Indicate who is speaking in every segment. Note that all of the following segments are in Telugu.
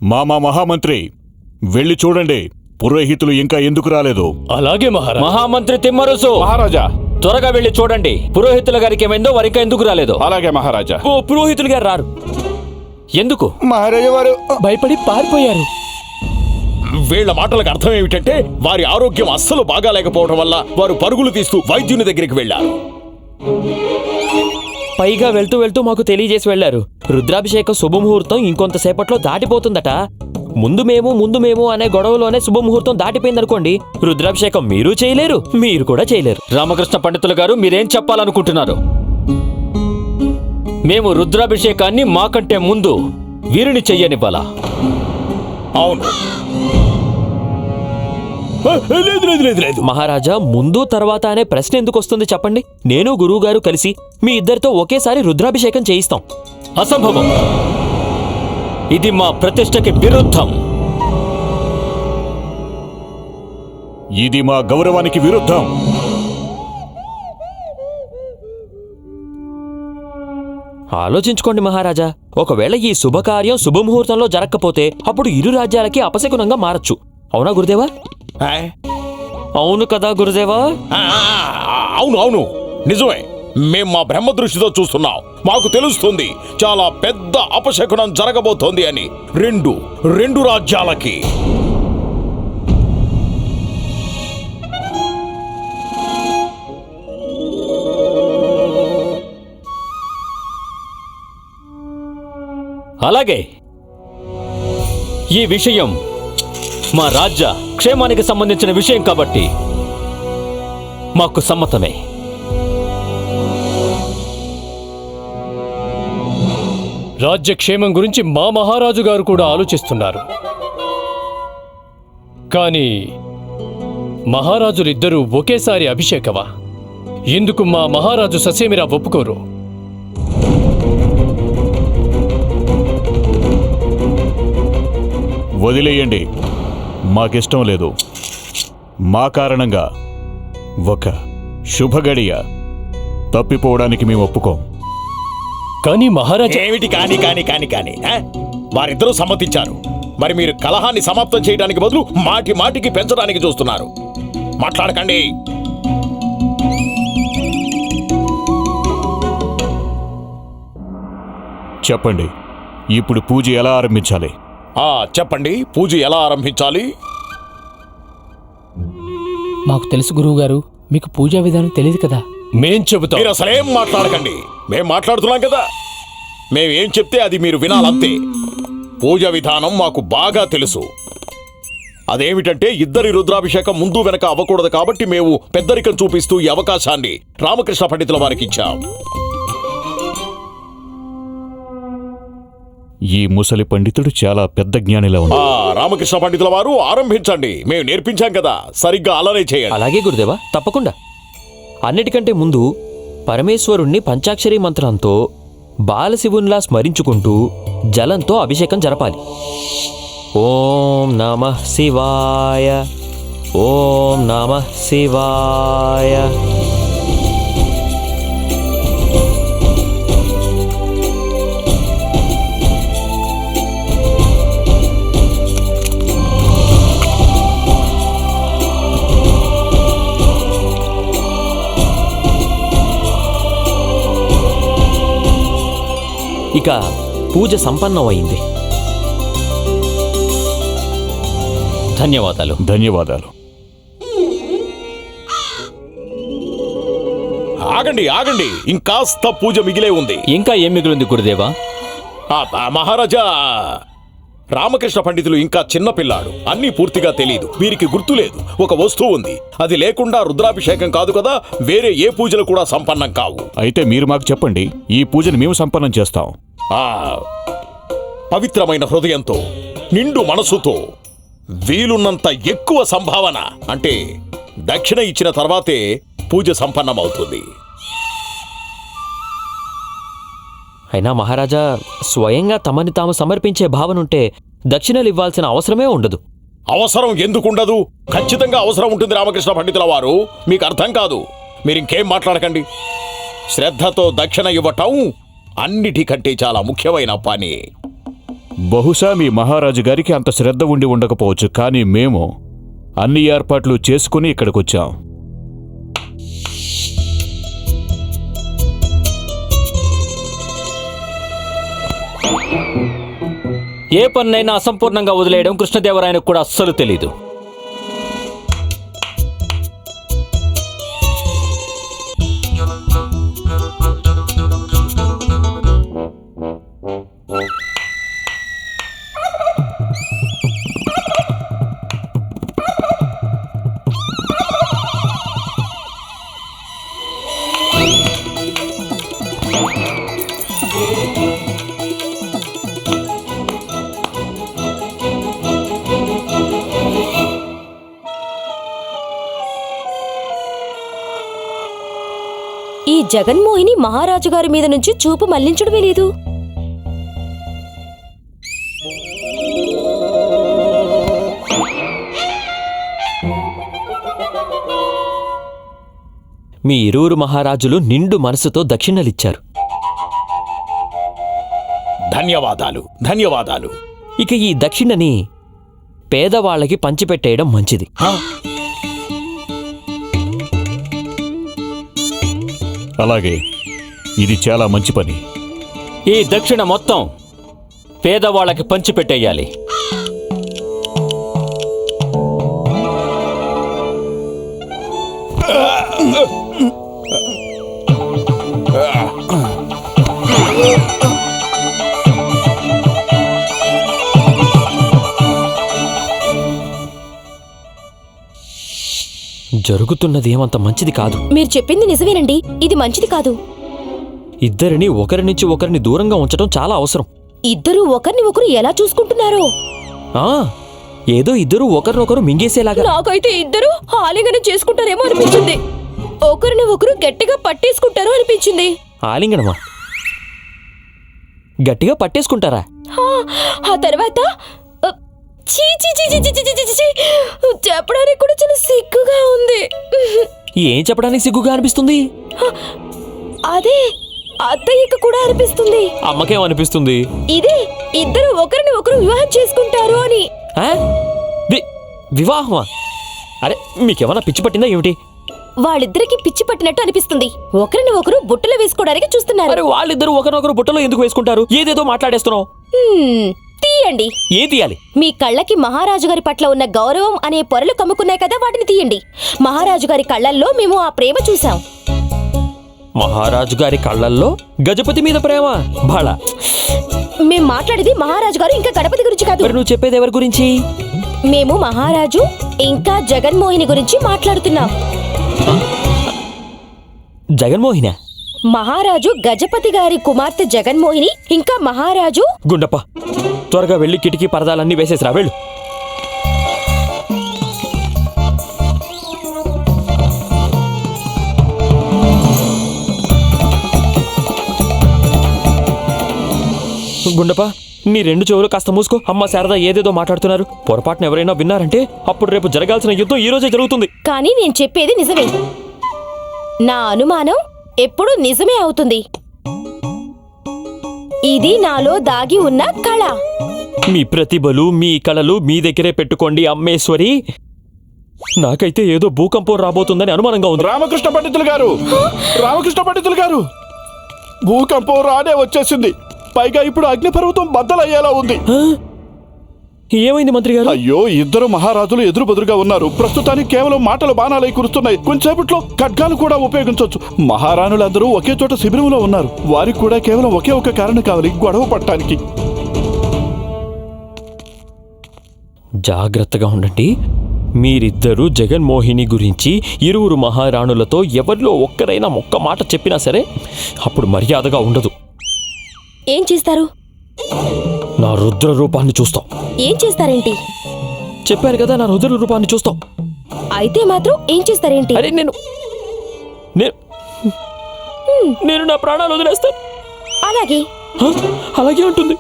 Speaker 1: మామా మహామంత్రి, వెళ్ళి చూడండి పురోహితులు ఇంకా ఎందుకు రాలేదు.
Speaker 2: అలాగే మహారాజా.
Speaker 3: మహామంత్రి తిమ్మరుసు,
Speaker 4: మహారాజా
Speaker 3: త్వరగా వెళ్ళి చూడండి పురోహితుల గారికి ఏమైందో, వారు ఇంకా ఎందుకు రాలేదు.
Speaker 4: అలాగే మహారాజా.
Speaker 3: పురోహితులు గారు రారు ఎందుకు?
Speaker 5: మహారాజా వారు
Speaker 2: భయపడి పారిపోయారు.
Speaker 6: వీళ్ల మాటలకు అర్థం ఏమిటంటే వారి ఆరోగ్యం అస్సలు బాగాలేకపోవడం వల్ల వారు పరుగులు తీస్తూ వైద్యుని దగ్గరికి వెళ్లారు.
Speaker 3: పైగా వెళ్తూ వెళ్తూ మాకు తెలియజేసి వెళ్లారు, రుద్రాభిషేకం శుభముహూర్తం ఇంకొంతసేపట్లో దాటిపోతుందట. ముందు మేము అనే గొడవలోనే శుభముహూర్తం దాటిపోయిందనుకోండి, రుద్రాభిషేకం మీరు చేయలేరు, మీరు కూడా చేయలేరు. రామకృష్ణ పండితులు గారు, మీరేం చెప్పాలనుకుంటున్నారు? మేము రుద్రాభిషేకాన్ని మాకంటే ముందు వీరిని చెయ్యనివ్వాలా?
Speaker 6: అవును.
Speaker 3: లేదు మహారాజా, ముందు తర్వాత అనే ప్రశ్న ఎందుకు వస్తుంది చెప్పండి. నేను గురువుగారు కలిసి మీ ఇద్దరితో ఒకేసారి రుద్రాభిషేకం చేయిస్తాం. అసంభవం. ఇది మా ప్రతిష్టకి విరుద్ధం.
Speaker 1: ఇది మా గౌరవానికి విరుద్ధం.
Speaker 3: ఆలోచించుకోండి మహారాజా, ఒకవేళ ఈ శుభకార్యం శుభముహూర్తంలో జరగకపోతే అప్పుడు ఇరు రాజ్యాలకి అపశకునంగా మారచ్చు. అవునా గురుదేవా? అవును కదా గురుదేవా?
Speaker 6: అవును అవును, నిజమే. మేం మా బ్రహ్మ దృష్టితో చూస్తున్నాం. మాకు తెలుస్తుంది చాలా పెద్ద అపశకునం జరగబోతోంది అని. రెండు రాజ్యాలకి.
Speaker 3: అలాగే ఈ విషయం మా రాజ్య క్షేమానికి సంబంధించిన విషయం కాబట్టి మాకు సమ్మతమే.
Speaker 2: రాజ్యక్షేమం గురించి మా మహారాజు గారు కూడా ఆలోచిస్తున్నారు. కానీ మహారాజులిద్దరూ ఒకేసారి అభిషేకమా? ఎందుకు మా మహారాజు ససేమిరా ఒప్పుకోరు?
Speaker 1: వదిలేయండి, మాకిష్టం లేదు. మా కారణంగా ఒక శుభగడియ తప్పిపోవడానికి మేము ఒప్పుకోం.
Speaker 2: కానీ మహారాజా.
Speaker 6: ఏమిటి కాని కాని కాని కాని వారిద్దరూ సమ్మతించారు. మరి మీరు కలహాన్ని సమాప్తం చేయడానికి బదులు మాటికి పెంచడానికి చూస్తున్నారు. మాట్లాడకండి.
Speaker 1: చెప్పండి, ఇప్పుడు పూజ ఎలా ఆరంభించాలి?
Speaker 6: చెప్పండి, పూజ ఎలా ఆరంభించాలి?
Speaker 7: మాకు తెలుసు గురువుగారు, మీకు పూజా విధానం తెలియదు కదా.
Speaker 2: మేం చెబుతాం.
Speaker 6: మీరు అసలేం మాట్లాడకండి. మేం మాట్లాడుతున్నాం కదా. మేమేం చెప్తే అది మీరు వినాలంతే. పూజా విధానం మాకు బాగా తెలుసు. అదేమిటంటే ఇద్దరి రుద్రాభిషేకం ముందు వెనక అవ్వకూడదు కాబట్టి మేము పెద్దరికం చూపిస్తూ ఈ అవకాశాన్ని రామకృష్ణ పండితుల వారికి ఇచ్చాం.
Speaker 1: ఈ ముసలి పండితుడు చాలా పెద్ద జ్ఞానిలా ఉన్నాడు.
Speaker 6: రామకృష్ణ పండితుల వారు ఆరంభించండి. మేము నేర్పించాం కదా, సరిగ్గా అలానే చేయండి.
Speaker 3: అలాగే గురుదేవా, తప్పకుండా. అన్నిటికంటే ముందు పరమేశ్వరుణ్ణి పంచాక్షరీ మంత్రంతో బాలశివునిలా స్మరించుకుంటూ జలంతో అభిషేకం జరపాలి. ఓం నమః శివాయ, ఓం నమః శివాయ. ఇక పూజ సంపన్నమైంది. ధన్యవాదాలు.
Speaker 1: ధన్యవాదాలు.
Speaker 6: ఆగండి ఆగండి, ఇంకాస్త పూజ మిగిలే ఉంది.
Speaker 3: ఇంకా ఏం మిగిలింది గురుదేవా?
Speaker 6: మహారాజా, రామకృష్ణ పండితులు ఇంకా చిన్న పిల్లాడు. అన్నీ పూర్తిగా తెలీదు. వీరికి గుర్తులేదు. ఒక వస్తువు ఉంది, అది లేకుండా రుద్రాభిషేకం కాదు కదా, వేరే ఏ పూజలు కూడా సంపన్నం కావు.
Speaker 1: అయితే మీరు మాకు చెప్పండి, ఈ పూజను మేము సంపన్నం చేస్తాం.
Speaker 6: పవిత్రమైన హృదయంతో, నిండు మనసుతో, వీలున్నంత ఎక్కువ సంభావన అంటే దక్షిణ ఇచ్చిన తర్వాతే పూజ సంపన్నమవుతుంది.
Speaker 3: అయినా మహారాజా, స్వయంగా తమని తాము సమర్పించే భావనుంటే దక్షిణలు ఇవ్వాల్సిన అవసరమే ఉండదు.
Speaker 6: అవసరం ఎందుకుండదు? ఖచ్చితంగా అవసరం ఉంటుంది రామకృష్ణ పండితుల వారు. మీకు అర్థం కాదు. మీరింకేం మాట్లాడకండి. శ్రద్ధతో దక్షిణ ఇవ్వటం అన్నిటికంటే చాలా ముఖ్యమైన పని.
Speaker 1: బహుశా మీ మహారాజు గారికి అంత శ్రద్ధ ఉండి ఉండకపోవచ్చు, కానీ మేము అన్ని ఏర్పాట్లు చేసుకుని ఇక్కడికొచ్చాం.
Speaker 3: ఏ పన్నైనా అసంపూర్ణంగా వదిలేయడం కృష్ణదేవరాయనకు కూడా అస్సలు తెలీదు.
Speaker 4: ఈ జగన్మోహిని మహారాజు గారి మీద నుంచి చూపు మళ్లించడమే లేదు.
Speaker 3: మీ ఇరువురు మహారాజులు నిండు మనసుతో దక్షిణలిచ్చారు.
Speaker 6: ధన్యవాదాలు, ధన్యవాదాలు.
Speaker 3: ఇక ఈ దక్షిణని పేదవాళ్ళకి పంచిపెట్టేయడం మంచిది.
Speaker 1: అలాగే, ఇది చాలా మంచి పని.
Speaker 3: ఈ దక్షిణ మొత్తం పేదవాళ్ళకి పంచిపెట్టేయాలి. జరుగుతున్నది ఏమంత మంచిది కాదు.
Speaker 4: మీరు చెప్పింది నిజమేనండి, ఇది మంచిది కాదు.
Speaker 3: ఇద్దరిని ఒకరి నుంచి ఒకరిని దూరంగా ఉంచడం చాలా అవసరం.
Speaker 4: ఇద్దరూ ఒకరిని ఒకరు ఎలా చూసుకుంటున్నారో.
Speaker 3: ఏదో ఇద్దరు ఒకరినొకరు మింగేసేలాగా.
Speaker 4: నాకైతే ఇద్దరు ఆలింగనం చేసుకుంటారేమో అనిపించింది. ఒకరిని ఒకరు గట్టిగా పట్టేసుకుంటారో అనిపించింది.
Speaker 3: ఆలింగనమా? గట్టిగా పట్టేసుకుంటారా?
Speaker 4: ఆ తర్వాత చెప్పడానికి కూడా చాలా సిగ్గుగా ఉంది.
Speaker 3: ఏం చెప్పడానికి సిగ్గుగా అనిపిస్తుంది?
Speaker 4: అదే అత్తయ్యకు కూడా అనిపిస్తుంది.
Speaker 3: అమ్మకేం అనిపిస్తుంది?
Speaker 4: ఇదే ఇద్దరు ఒకరిని ఒకరు వివాహం చేసుకుంటారు అని.
Speaker 3: వివాహమా? అరే, మీకేమన్నా పిచ్చి పట్టిందా ఏమిటి?
Speaker 4: వాళ్ళిద్దరికి పిచ్చి పట్టినట్టు అనిపిస్తుంది. ఒకరిని ఒకరు బుట్టలు వేసుకోవడానికి చూస్తున్నారు.
Speaker 3: అరే, వాళ్ళిద్దరు ఒకరినొకరు బుట్టలో ఎందుకు వేసుకుంటారు? ఏదేదో మాట్లాడేస్తున్నావు.
Speaker 4: తీయండి.
Speaker 3: ఏం తీయాలి?
Speaker 4: మీ కళ్ళకి మహారాజు గారి పట్ల ఉన్న గౌరవం అనే పొరలు కమ్ముకున్నాయి కదా, వాటిని తీయండి. మహారాజు గారి కళ్ళల్లో మేము ఆ ప్రేమ చూసాం.
Speaker 3: మహారాజు గారి కళ్ళల్లో గజపతి మీద ప్రేమ? బాళ,
Speaker 4: మేం మాట్లాడేది మహారాజు గారు ఇంకా గణపతి గురించి కాదు.
Speaker 3: మరి నువ్వు చెప్పేది ఎవరి గురించి?
Speaker 4: మేము మహారాజు ఇంకా జగన్మోహిని గురించి మాట్లాడుతున్నాం.
Speaker 3: జగన్మోహిన?
Speaker 4: మహారాజు గజపతి గారి కుమార్తె జగన్మోహిని ఇంకా మహారాజు.
Speaker 3: గుండప్ప, త్వరగా వెళ్ళి కిటికీ పరదాలన్నీ వేసేసిరా, వెళ్ళు. గుండప్ప, నీ రెండు చెవులు కాస్త మూసుకో. అమ్మ శారద ఏదేదో మాట్లాడుతున్నారు. పొరపాటున ఎవరైనా విన్నారంటే అప్పుడు రేపు జరగాల్సిన యుద్ధం ఈ రోజే జరుగుతుంది.
Speaker 4: కానీ నేను చెప్పేది నిజమే. నా అనుమానం ఎప్పుడు నిజమే అవుతుంది. ఇది నాలో దాగి ఉన్న కళ.
Speaker 3: మీ ప్రతిభలు, మీ కళలు మీ దగ్గరే పెట్టుకోండి అమ్మేశ్వరి. నాకైతే ఏదో భూకంపం రాబోతుందని అనుమానంగా ఉంది.
Speaker 6: రామకృష్ణ పండితులు గారు, రామకృష్ణ పండితులు గారు, భూకంపం రానే వచ్చేసింది. పైగా ఇప్పుడు అగ్నిపర్వతం బద్దలయ్యేలా ఉంది.
Speaker 3: ఏమైంది మంత్రి గారు?
Speaker 5: అయ్యో, ఇద్దరు మహారాజులు ఎదురు బెదురుగా ఉన్నారు. ప్రస్తుతానికి కేవలం మాటలు బాణాలై కురుస్తున్నాయి. కొంచెంసేపట్లో ఖడ్గాలు కూడా ఉపయోగించవచ్చు. మహారాణులందరూ ఒకే చోట శిబిరంలో ఉన్నారు. వారికి కూడా కేవలం ఒకే ఒక కారణం కావాలి, గొడవ పట్టడానికి.
Speaker 3: జాగ్రత్తగా ఉండండి. మీరిద్దరూ జగన్మోహిని గురించి ఇరువురు మహారాణులతో ఎవరిలో ఒక్కరైనా ఒక్క మాట చెప్పినా సరే అప్పుడు మర్యాదగా ఉండదు.
Speaker 4: ఏం చేస్తారు?
Speaker 3: నా రుద్ర రూపాన్ని చూస్తాం.
Speaker 4: ఏం చేస్తారేంటి?
Speaker 3: చెప్పాను కదా, నా రుద్ర రూపాన్ని చూస్తాం.
Speaker 4: అయితే మాత్రం ఏం చేస్తారేంటి?
Speaker 3: అరే, నేను నా ప్రాణాలు వదిలేస్తాను.
Speaker 4: అలాగే
Speaker 3: అలాగే ఉంటుంది.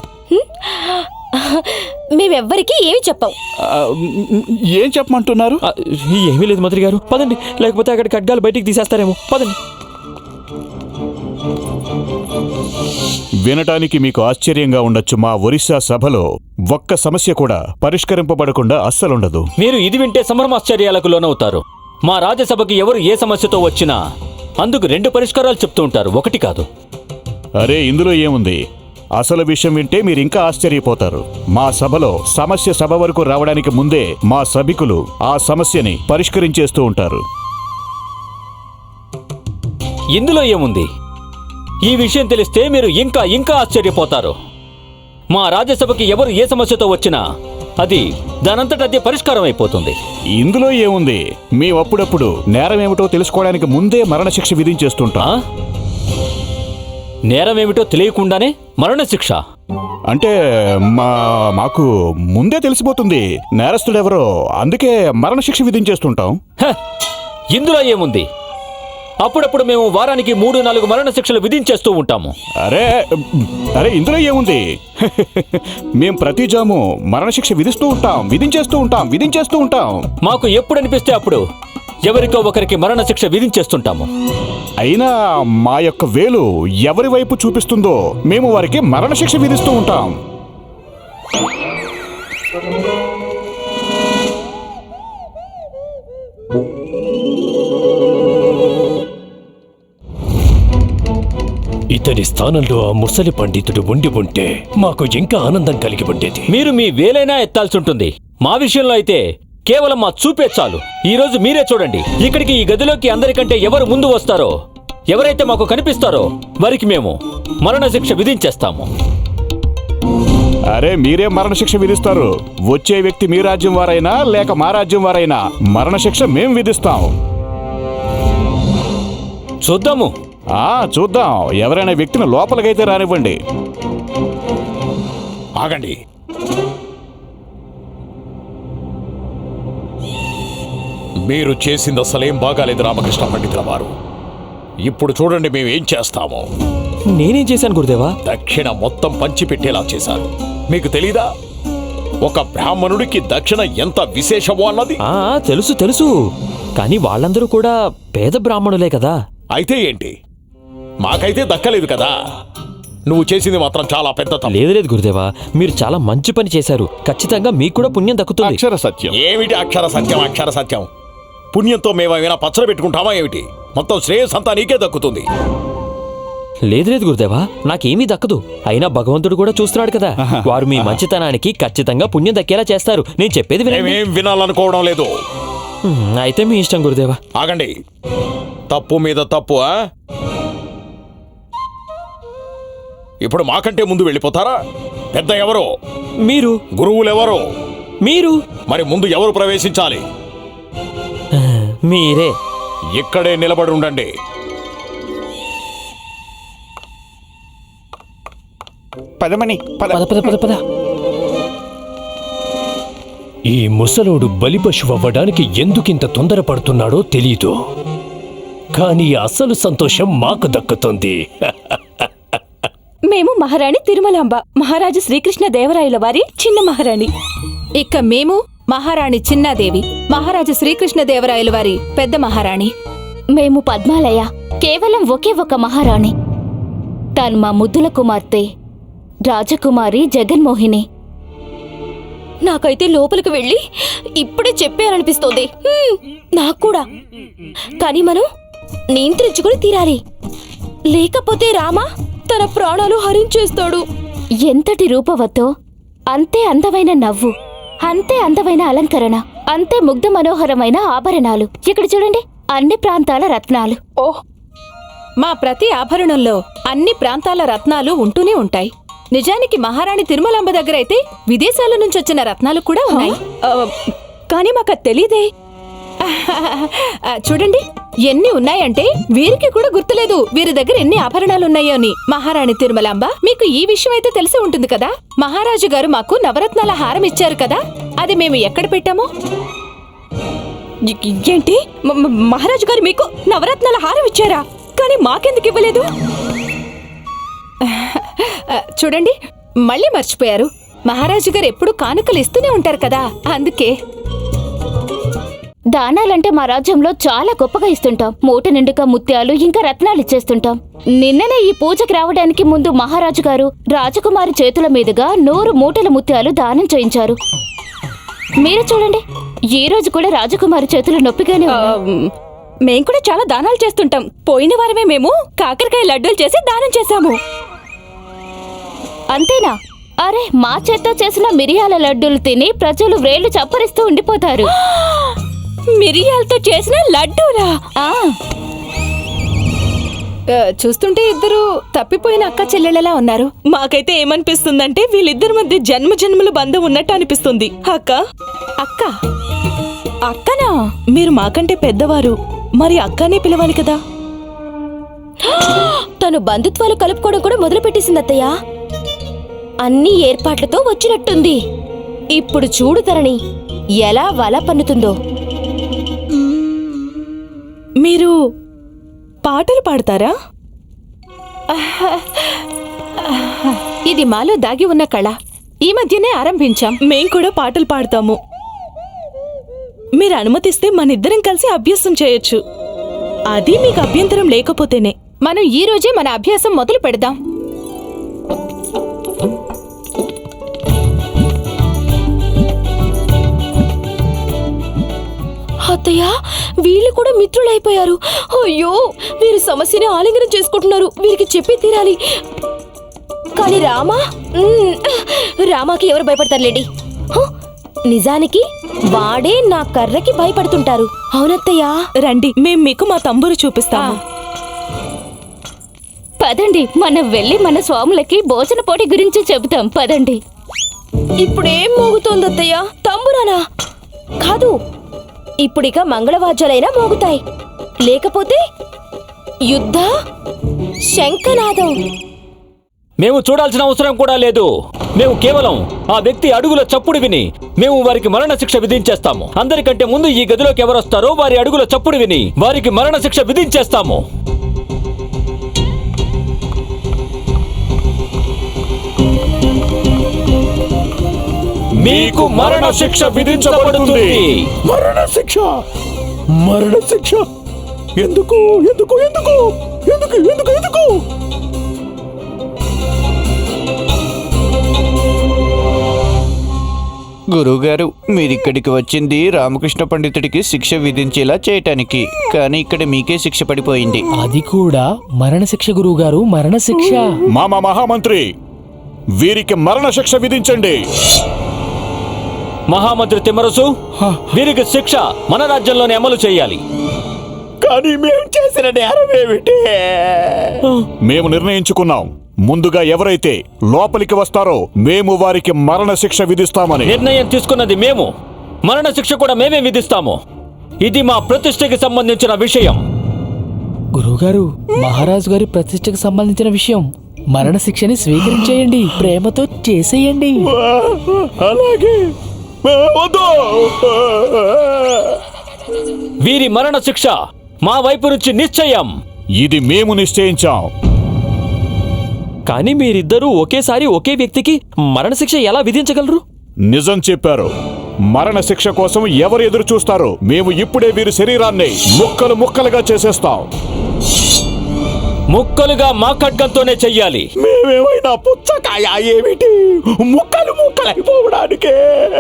Speaker 4: మేమెవ్వరికీ ఏమి చెప్పాం.
Speaker 5: ఏం చెప్పమంటున్నారు?
Speaker 3: ఏమీ లేదు మంత్రి గారు, పదండి. లేకపోతే అక్కడ ఖడ్గాలు బయటికి తీసేస్తారేమో. పదండి.
Speaker 1: వినటానికి మీకు ఆశ్చర్యంగా ఉండొచ్చు, మా ఒరిస్సా సభలో ఒక్క సమస్య కూడా పరిష్కరింపబడకుండా అస్సలుండదు.
Speaker 3: మీరు ఇది వింటే సంభ్రమాశ్చర్యాలకు లోనవుతారు. మా రాజ్యసభకి ఎవరు ఏ సమస్యతో వచ్చినా అందుకు 2 పరిష్కారాలు చెప్తూ ఉంటారు, ఒకటి కాదు.
Speaker 1: అరే ఇందులో ఏముంది? అసలు విషయం వింటే మీరింకా ఆశ్చర్యపోతారు. మా సభలో సమస్య సభ వరకు రావడానికి ముందే మా సభికులు ఆ సమస్యని పరిష్కరించేస్తూ ఉంటారు.
Speaker 3: ఇందులో ఏముంది? ఈ విషయం తెలిస్తే మీరు ఇంకా ఇంకా ఆశ్చర్యపోతారు. మా రాజ్యసభకి ఎవరు ఏ సమస్యతో వచ్చినా అది దానంతటదే పరిష్కారం అయిపోతుంది.
Speaker 1: ఇందులో ఏముంది? మేము అప్పుడప్పుడు నేరం ఏమిటో తెలుసుకోవడానికి ముందే మరణశిక్ష విధించేస్తుంటాం.
Speaker 3: నేరం ఏమిటో తెలియకుండానే మరణశిక్ష?
Speaker 1: అంటే మాకు ముందే తెలిసిపోతుంది నేరస్తుడెవరో, అందుకే మరణశిక్ష విధించేస్తుంటాం.
Speaker 3: ఇందులో ఏముంది? అప్పుడప్పుడు మేము వారానికి 3-4 మరణశిక్షలు విధించేస్తూ ఉంటాము.
Speaker 1: అరే అరే ఇందులో ఏముంది? మేం ప్రతి జాము మరణశిక్ష విధించేస్తూ ఉంటాం.
Speaker 3: మాకు ఎప్పుడు అనిపిస్తే అప్పుడు ఎవరికో ఒకరికి మరణశిక్ష విధించేస్తుంటాము.
Speaker 1: అయినా మా యొక్క వేలు ఎవరి వైపు చూపిస్తుందో మేము వారికి మరణశిక్ష విధిస్తూ ఉంటాం.
Speaker 2: ఇతడి స్థానంలో ఆ ముసలి పండితుడు ఉండి ఉంటే మాకు ఇంకా ఆనందం కలిగి ఉండేది.
Speaker 3: మీరు మీ వేలైనా ఎత్తాల్సి ఉంటుంది. మా విషయంలో అయితే కేవలం మా చూపే చాలు. ఈ రోజు మీరే చూడండి, ఇక్కడికి ఈ గదిలోకి అందరికంటే ఎవరు ముందు వస్తారో, ఎవరైతే మాకు కనిపిస్తారో వారికి మేము మరణశిక్ష విధించేస్తాము.
Speaker 1: అరే మీరే మరణశిక్ష విధిస్తారు. వచ్చే వ్యక్తి మీ రాజ్యం వారైనా లేక మా రాజ్యం వారైనా మరణశిక్ష మేం విధిస్తాం.
Speaker 3: చూద్దాము.
Speaker 1: చూద్దాం. ఎవరైనా వ్యక్తిని లోపలికైతే రానివ్వండి.
Speaker 6: ఆగండి. మీరు చేసింది అసలేం బాగాలేదు రామకృష్ణ పండితుల వారు. ఇప్పుడు చూడండి మేమేం చేస్తామో.
Speaker 3: నేనేం చేశాను గురుదేవా?
Speaker 6: దక్షిణ మొత్తం పంచిపెట్టేలా చేశారు. మీకు తెలీదా ఒక బ్రాహ్మణుడికి దక్షిణ ఎంత విశేషమో అన్నది?
Speaker 3: తెలుసు తెలుసు, కానీ వాళ్ళందరూ కూడా పేద బ్రాహ్మణులే కదా.
Speaker 6: అయితే ఏంటి, మాకైతే దక్కలేదు కదా. నువ్వు చేసింది మాత్రం చాలా పెద్ద తప్పు.
Speaker 3: లేదు గురుదేవా, మీరు చాలా మంచి పని చేశారు. ఖచ్చితంగా మీకు కూడా పుణ్యం దక్కుతుంది.
Speaker 5: అక్షర సత్యం.
Speaker 6: ఏమిటి అక్షర సత్యం? పుణ్యంతో మేమైనా పచ్చడి పెట్టుకుంటామా ఏమిటి? మొత్తం శ్రేయస్ అంతా నీకే దక్కుతుంది.
Speaker 3: లేదు గురుదేవా, నాకేమీ దక్కదు. అయినా భగవంతుడు కూడా చూస్తున్నాడు కదా. వారు మీ మంచితనానికి ఖచ్చితంగా పుణ్యం దక్కేలా చేస్తారు. నేను చెప్పేది వినండి.
Speaker 6: మేమేం వినాలనుకోవడం లేదు.
Speaker 3: అయితే మీ ఇష్టం గురుదేవా.
Speaker 6: ఆగండి. తప్పు మీద తప్పు. ఇప్పుడు మాకంటే ముందు వెళ్ళిపోతారా? పెద్ద ఎవరో?
Speaker 3: మీరు.
Speaker 6: గురువులెవరో?
Speaker 3: మీరు.
Speaker 6: మరి ముందు ఎవరు ప్రవేశించాలి?
Speaker 3: మీరే.
Speaker 6: ఇక్కడే నిలబడి ఉండండి.
Speaker 5: పదమని
Speaker 7: పద.
Speaker 2: ఈ ముసలోడు బలిపశువు అవ్వడానికి ఎందుకింత తొందరపడుతున్నాడో తెలీదు, కానీ అసలు సంతోషం మాకు దక్కుతుంది.
Speaker 4: మేము మహారాణి తిరుమలాంబ, మహారాజు శ్రీకృష్ణ దేవరాయల వారి చిన్న మహారాణి.
Speaker 8: ఇక మేము మహారాణి చిన్నాదేవి, మహారాజు శ్రీకృష్ణ దేవరాయల వారి పెద్ద మహారాణి.
Speaker 4: మేము పద్మాలయ, కేవలం ఒకే ఒక మహారాణి. తాను మా ముద్దుల కుమార్తె రాజకుమారి జగన్మోహిని. నాకైతే లోపలికి వెళ్ళి ఇప్పుడే చెప్పారనిపిస్తోంది. నాకు కూడా. కానీ మనం నియంత్రించుకుని తీరాలి, లేకపోతే రామా తన ప్రాణాలు హరించేస్తాడు. ఎంతటి రూపవతో, అంతే అందమైన నవ్వు, అంతే అందమైన అలంకరణ, అంతే ముగ్ధ మనోహరమైన ఆభరణాలు. ఇక్కడ చూడండి, అన్ని ప్రాంతాల రత్నాలు.
Speaker 8: ఓహ్, మా ప్రతి ఆభరణంలో అన్ని ప్రాంతాల రత్నాలు ఉంటూనే ఉంటాయి. నిజానికి మహారాణి తిరుమలాంబ దగ్గర అయితే విదేశాల నుంచి వచ్చిన రత్నాలు కూడా ఉన్నాయి.
Speaker 4: కానీ మాకు తెలీదే.
Speaker 8: చూడండి, ఎన్ని ఉన్నాయంటే వీరికి కూడా గుర్తులేదు వీరి దగ్గర ఎన్ని ఆభరణాలు ఉన్నాయో అని. మహారాణి తిరుమలాంబ, మీకు ఈ విషయం అయితే తెలిసి ఉంటుంది కదా. మహారాజు గారు మాకు నవరత్నాల హారం ఇచ్చారు కదా, అది మేము ఎక్కడ పెట్టామో.
Speaker 4: ఏంటి? మహారాజు గారు మీకు నవరత్నాల హారం ఇచ్చారా? కానీ మాకెందుకు ఇవ్వలేదు?
Speaker 8: చూడండి, మళ్ళీ మర్చిపోయారు. మహారాజు గారు ఎప్పుడు కానుకలు ఇస్తూనే ఉంటారు కదా, అందుకే.
Speaker 4: దానాలంటే మా రాజ్యంలో చాలా గొప్పగా ఇస్తుంటాం. మూట నిండుగా ముత్యాలు ఇంకా రత్నాలు ఇచ్చేస్తుంటాం. నిన్ననే ఈ పూజకి రావడానికి ముందు మహారాజు గారు రాజకుమారి చేతుల మీదుగా 100 మూటల ముత్యాలు దానం చేయించారు. మీరు చూడండి, ఈ రోజు కూడా రాజకుమారి చేతులు నొప్పిగానే ఉన్నాయి.
Speaker 8: మేం కూడా చాలా దానాలు చేస్తుంటాం. పోయిన వారమే మేము కాకరకాయ లడ్డూలు చేసి దానం చేశాము.
Speaker 4: అంతేనా? అరే, మా చేత్తో చేసిన మిరియాల లడ్డూలు తిని ప్రజలు వ్రేళ్లు చప్పరిస్తూ ఉండిపోతారు.
Speaker 8: మిరియాలతో చేసిన లడ్డూలా? చూస్తుంటే ఇద్దరు తప్పిపోయిన అక్క చెల్లెళ్ళలా ఉన్నారు. మాకైతే ఏమనిపిస్తుందంటే వీళ్ళిద్దరి మధ్య జన్మజన్మల బంధం ఉన్నట్టు అనిపిస్తుంది. అక్క అక్క అక్కనా? మీరు మాకంటే పెద్దవారు, మరి అక్కనే పిలవాలి కదా.
Speaker 4: తను బంధుత్వాలు కలుపుకోవడం కూడా మొదలుపెట్టేసింది అత్తయ్య. అన్ని ఏర్పాట్లతో వచ్చినట్టుంది. ఇప్పుడు చూడు తరణి ఎలా వల పన్నుతుందో.
Speaker 8: మీరు పాటలు పాడతారా? ఇది మాలో దాగి ఉన్న కళ. ఈ మధ్యనే ఆరంభించాం. మేం కూడా పాటలు పాడతాము. మీరు అనుమతిస్తే మనిద్దరం కలిసి అభ్యాసం చేయొచ్చు. అది మీకు అభ్యంతరం లేకపోతేనే. మనం ఈ రోజే మన అభ్యాసం మొదలు పెడదాం.
Speaker 4: అత్తయ్య, వీళ్ళు కూడా మిత్రులైపోయారు. అయ్యో, వీరు సమస్యని ఆలింగనం చేసుకుంటున్నారు. వీరికి చెప్పి తీరాలి. కానీ రామాకి ఎవరు భయపడతారులేండి. నిజానికి వాడే నా కర్రకి భయపడుతుంటారు. అవునత్తయ్యా,
Speaker 8: రండి, మేం మీకు మా తంబూరు చూపిస్తాము.
Speaker 4: పదండి, మనం వెళ్ళి మన స్వాములకి భోజన పోటీ గురించి చెబుతాం. పదండి. ఇప్పుడేం మోగుతోంది అత్తయ్య? తంబురానా? కాదు, ఇప్పుడిక మంగళవాద్యాలైనా మోగుతాయి. లేకపోతే యుద్ధ శంఖనాదం.
Speaker 3: మేము చూడాల్సిన అవసరం కూడా లేదు. మేము కేవలం ఆ వ్యక్తి అడుగుల చప్పుడు విని మేము వారికి మరణ శిక్ష విధించేస్తాము. అందరికంటే ముందు ఈ గదిలోకి ఎవరొస్తారో వారి అడుగుల చప్పుడు విని వారికి మరణ శిక్ష విధించేస్తాము. మీకు మరణ శిక్ష విధించబడుతుంది.
Speaker 6: మరణ శిక్ష? మరణ శిక్ష? ఎందుకు ఎందుకు ఎందుకు ఎందుకు ఎందుకు ఎందుకు?
Speaker 9: గురువుగారు, మీరిక్కడికి వచ్చింది రామకృష్ణ పండితుడికి శిక్ష విధించేలా చేయటానికి, కానీ ఇక్కడ మీకే శిక్ష పడిపోయింది.
Speaker 7: అది కూడా మరణశిక్ష గురువుగారు, మరణశిక్ష.
Speaker 1: మామ మహామంత్రి, వీరికి మరణ శిక్ష విధించండి.
Speaker 3: మహామంత్రి తిమ్మరసు, వీరికి శిక్ష మన రాజ్యంలోనే అమలు చేయాలి.
Speaker 6: కానీ మేము చేసిన నేరం ఏమిటి?
Speaker 1: మేము నిర్ణయించుకున్నాం, ముందుగా ఎవరైతే లోపలికి వస్తారో మేము వారికి మరణ శిక్ష విధిస్తామని.
Speaker 3: నిర్ణయం తీసుకున్నది మేము, మరణ శిక్ష కూడా మేమే విధిస్తాము. ఇది మా ప్రతిష్టకి సంబంధించిన విషయం.
Speaker 7: గురువుగారు, మహారాజు గారి ప్రతిష్టకు సంబంధించిన విషయం. మరణశిక్షని స్వీకరించేయండి, ప్రేమతో చేసేయండి.
Speaker 6: అలాగే. వద్దు.
Speaker 3: వీరి మరణ శిక్ష మా వైపు నుంచి నిశ్చయం.
Speaker 1: ఇది మేము నిశ్చయించాం.
Speaker 3: కానీ మీరిద్దరూ ఒకేసారి ఒకే వ్యక్తికి మరణశిక్ష ఎలా విధించగలరు?
Speaker 1: నిజం చెప్పారు. మరణ శిక్ష కోసం ఎవరు ఎదురు చూస్తారు? మేము ఇప్పుడే వీరి శరీరాన్ని ముక్కలు ముక్కలుగా చేసేస్తాం.
Speaker 3: ముక్కలుగా మా ఖడ్గంతోనే చెయ్యాలి.
Speaker 6: మేమేమైనా పుచ్చకాయ ఏమిటి? ముక్కలు ముక్కలైపోవడానికే.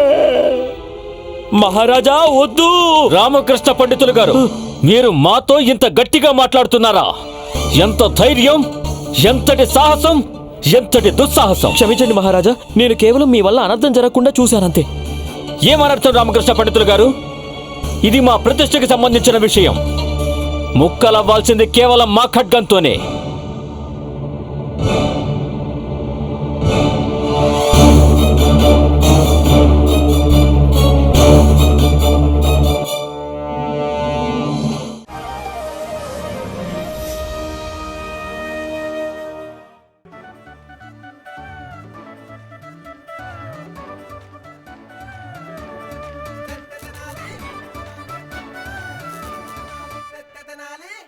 Speaker 3: మహారాజా వద్దు. రామకృష్ణ పండితులు గారు, మీరు మాతో ఇంత గట్టిగా మాట్లాడుతున్నారా? ఎంత ధైర్యం, ఎంతటి సాహసం, ఎంతటి దుస్సాహసం! క్షమించండి మహారాజా, నేను కేవలం మీ వల్ల అనర్థం జరగకుండా చూశానంతే. ఏమనర్థం రామకృష్ణ పండితులు గారు? ఇది మా ప్రతిష్టకి సంబంధించిన విషయం. ముక్కలవ్వాల్సింది కేవలం మా ఖడ్గంతోనే.